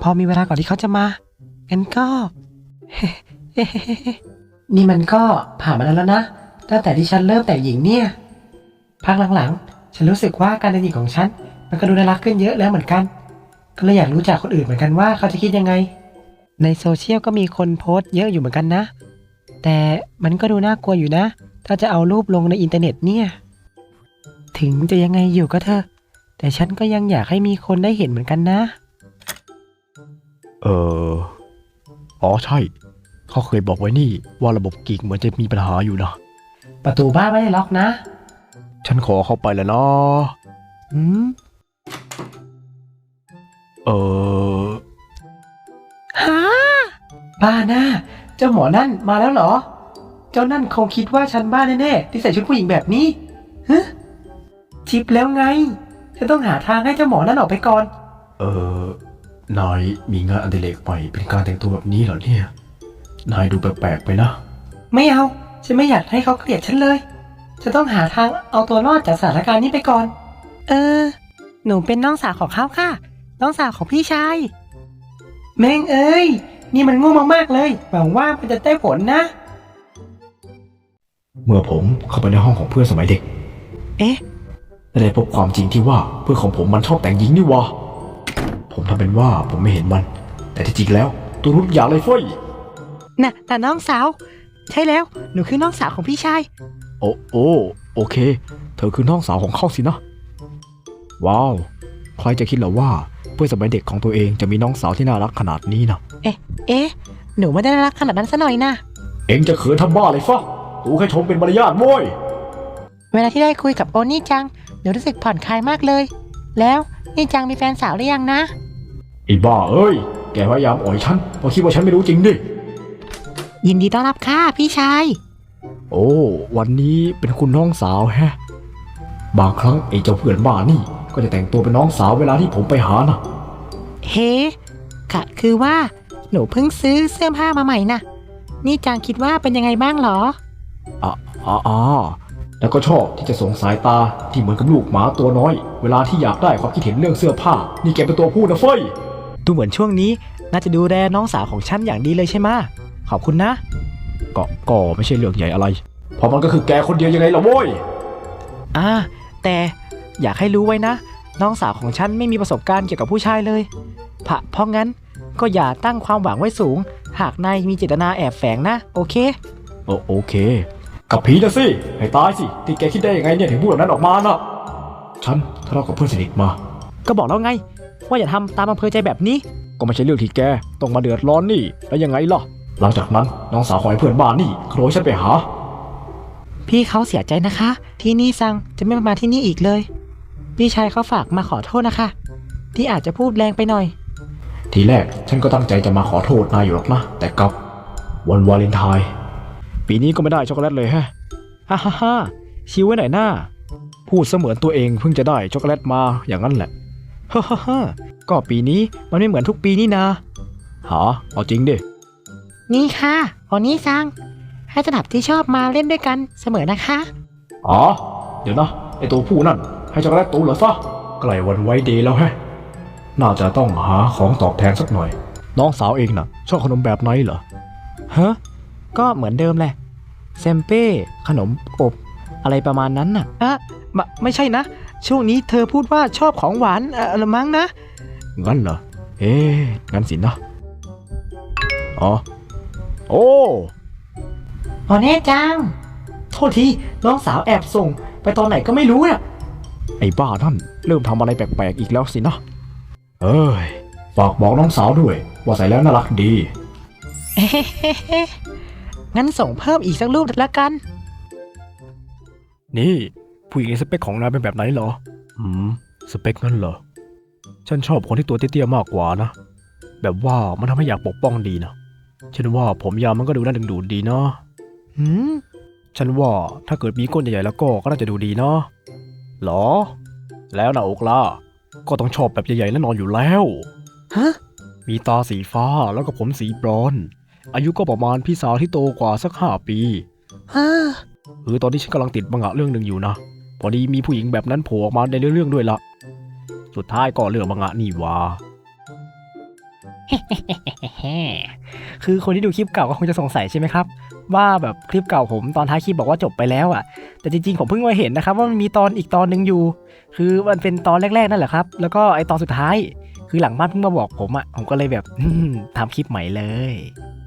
พอมีเวลาก่อนที่เขาจะมางั้นก็ นี่มันก็ผ่านมาแล้วนะตั้งแต่ที่ฉันเริ่มแต่งหญิงเนี่ยพักหลังๆฉันรู้สึกว่าการแต่งหญิงของฉันมันก็ดูน่ารักขึ้นเยอะแล้วเหมือนกันก็เลยอยากรู้จากคนอื่นเหมือนกันว่าเขาจะคิดยังไงในโซเชียลก็มีคนโพสต์เยอะอยู่เหมือนกันนะแต่มันก็ดูน่ากลัวอยู่นะถ้าจะเอารูปลงในอินเทอร์เน็ตเนี่ยถึงจะยังไงอยู่ก็เถอะแต่ฉันก็ยังอยากให้มีคนได้เห็นเหมือนกันนะเอออ๋อใช่เขาเคยบอกไว้นี่ว่าระบบกิ๊กเหมือนจะมีปัญหาอยู่นะประตูบ้านไม่ได้ล็อกนะฉันขอเข้าไปแล้วนะอืมเออฮะบ้าหน้าเจ้าหมอนั่นมาแล้วเหรอเจ้านั่นคงคิดว่าฉันบ้าแน่ๆที่ใส่ชุดผู้หญิงแบบนี้ฮะชิปแล้วไงฉันต้องหาทางให้เจ้าหมอนั่นออกไปก่อนนายมีงานอดิเรกใหม่เป็นการแต่งตัวแบบนี้เหรอเนี่ยนายดูแปลกๆไปนะไม่เอาฉันไม่อยากให้เขาเกลียดฉันเลยฉันต้องหาทางเอาตัวรอดจากสถานการณ์นี้ไปก่อนหนูเป็นน้องสาวของเขาค่ะน้องสาวของพี่ชายแม่งเอ้ยนี่มันโง่มากๆเลยหวังว่ามันจะได้ผลนะเมื่อผมเข้าไปในห้องของเพื่อนสมัยเด็กได้พบความจริงที่ว่าเพื่อนของผมมันชอบแต่งหญิงนี่วะผมทำเป็นว่าผมไม่เห็นมันแต่ที่จริงแล้วตัวรุ่นใหญ่เลยเฟ้ยน่ะแต่น้องสาวใช่แล้วหนูคือน้องสาวของพี่ชายโอเคเธอคือน้องสาวของเขาสินะว้าวใครจะคิดเหรอว่าเพื่อนสมัยเด็กของตัวเองจะมีน้องสาวที่น่ารักขนาดนี้นะหนูไม่ได้น่ารักขนาดนั้นซะหน่อยนะเอ็งจะเขินทำบ้าเลยฟะกูแค่ชมเป็นมารยาทโว้ยเวลาที่ได้คุยกับโอนี่จังหนูรู้สึกผ่อนคลายมากเลยแล้วนี่จังมีแฟนสาวหรือยังนะไอ้บ้าเอ้ยแกพยายามอ่อยฉันเพราะคิดว่าฉันไม่รู้จริงดิยินดีต้อนรับค่ะพี่ชายโอ้วันนี้เป็นคุณน้องสาวแฮะบางครั้งไอ้เจ้าเพื่อนบ้านี่ก็จะแต่งตัวเป็นน้องสาวเวลาที่ผมไปหานะเฮ้กะคือว่าหนูเพิ่งซื้อเสื้อผ้ามาใหม่นะนี่จังคิดว่าเป็นยังไงบ้างหรอแล้วก็ชอบที่จะส่งสายตาที่เหมือนกับลูกหมาตัวน้อยเวลาที่อยากได้ความคิดเห็นเรื่องเสื้อผ้านี่แกเป็นตัวพูดนะเฟ้ยดูเหมือนช่วงนี้น่าจะดูแลน้องสาวของฉันอย่างดีเลยใช่ไหมขอบคุณนะก็ไม่ใช่เรื่องใหญ่อะไรเพราะมันก็คือแกคนเดียวยังไงล่ะโว้ยแต่อยากให้รู้ไว้นะน้องสาวของฉันไม่มีประสบการณ์เกี่ยวกับผู้ชายเลยเพราะงั้นก็อย่าตั้งความหวังไว้สูงหากนายมีเจตนาแอบแฝงนะโอเคโอเคกับผีนะสิให้ตายสิที่แกคิดได้ยังไงเนี่ยถึงพูดแบบนั้นออกมาน่ะฉันทะเลาะกับเพื่อนสนิทมาก็บอกแล้วไงว่าอย่าทำตามอำเภอใจแบบนี้ก็ไม่ใช่เรื่องที่แกต้องมาเดือดร้อนนี่แล้วยังไงล่ะหลังจากนั้นน้องสาวของไอ้เพื่อนบ้านนี่โทรให้ฉันไปหาพี่เขาเสียใจนะคะที่นี่ซังจะไม่มาที่นี่อีกเลยพี่ชายเขาฝากมาขอโทษนะคะที่อาจจะพูดแรงไปหน่อยทีแรกฉันก็ตั้งใจจะมาขอโทษนายอยู่หรอกนะแต่กับวันวาเลนไทน์ปีนี้ก็ไม่ได้ช็อกโกแลตเลยฮะฮ่าชิวไว้หน่อยหน้าพูดเสมือนตัวเองเพิ่งจะได้ช็อกโกแลตมาอย่างนั้นแหละฮ่าก็ปีนี้มันไม่เหมือนทุกปีนี่นาเอาจริงดินี่ค่ะโอนี่ซังให้สนับที่ชอบมาเล่นด้วยกันเสมอนะคะเดี๋ยวนะไอตัวผู้นั่นให้ช็อกโกแลตตูเหรอฟะใกล้วันไว้เดย์แล้วแฮะน่าจะต้องหาของตอบแทนสักหน่อยน้องสาวเองน่ะชอบขนมแบบไหนเหรอก็เหมือนเดิมแหละเซมเป้ขนมอบอะไรประมาณนั้นน่ะไม่ใช่นะช่วงนี้เธอพูดว่าชอบของหวานละมั้งนะงั้นเหรองั้นสินะโอเน่จังโทษทีน้องสาวแอบส่งไปตอนไหนก็ไม่รู้น่ะไอ้บ้านั่นเริ่มทำอะไรแปลกๆอีกแล้วสินะฝากบอกน้องสาวด้วยว่าใส่แล้วน่ารักดีงั้นส่งเพิ่มอีกสักรูปละกันนี่ผู้หญิงในสเปคของนายเป็นแบบไหนเหรอสเปคนั่นเหรอฉันชอบคนที่ตัวเตี้ยๆมากกว่านะแบบว่ามันทำให้อยากปกป้องดีนะฉันว่าผมยาวมันก็ดูน่าดึงดูดดีเนาะฉันว่าถ้าเกิดมีก้นใหญ่ๆแล้วก็น่าจะดูดีเนาะหรอแล้วหน้าอกล่ะก็ต้องชอบแบบใหญ่ๆและนอนอยู่แล้วมีตาสีฟ้าแล้วก็ผมสีบรอนซ์อายุก็ประมาณพี่สาวที่โตกว่าสัก5 ปีตอนนี้ฉันกำลังติดมังงะเรื่องหนึ่งอยู่นะพอดีมีผู้หญิงแบบนั้นโผล่ออกมาในเรื่องด้วยละสุดท้ายก็เรื่องมังงะนี่วะคือคนที่ดูคลิปเก่าก็คงจะสงสัยใช่ไหมครับว่าแบบคลิปเก่าผมตอนท้ายคลิปบอกว่าจบไปแล้วอ่ะแต่จริงๆผมเพิ่งมาเห็นนะครับว่ามันมีตอนอีกตอนหนึ่งอยู่ คือมันเป็นตอนแรกๆนั่นแหละครับแล้วก็ไอตอนสุดท้ายคือหลังบ้านเพิ่งมาบอกผมอ่ะผมก็เลยแบบทำคลิปใหม่เลย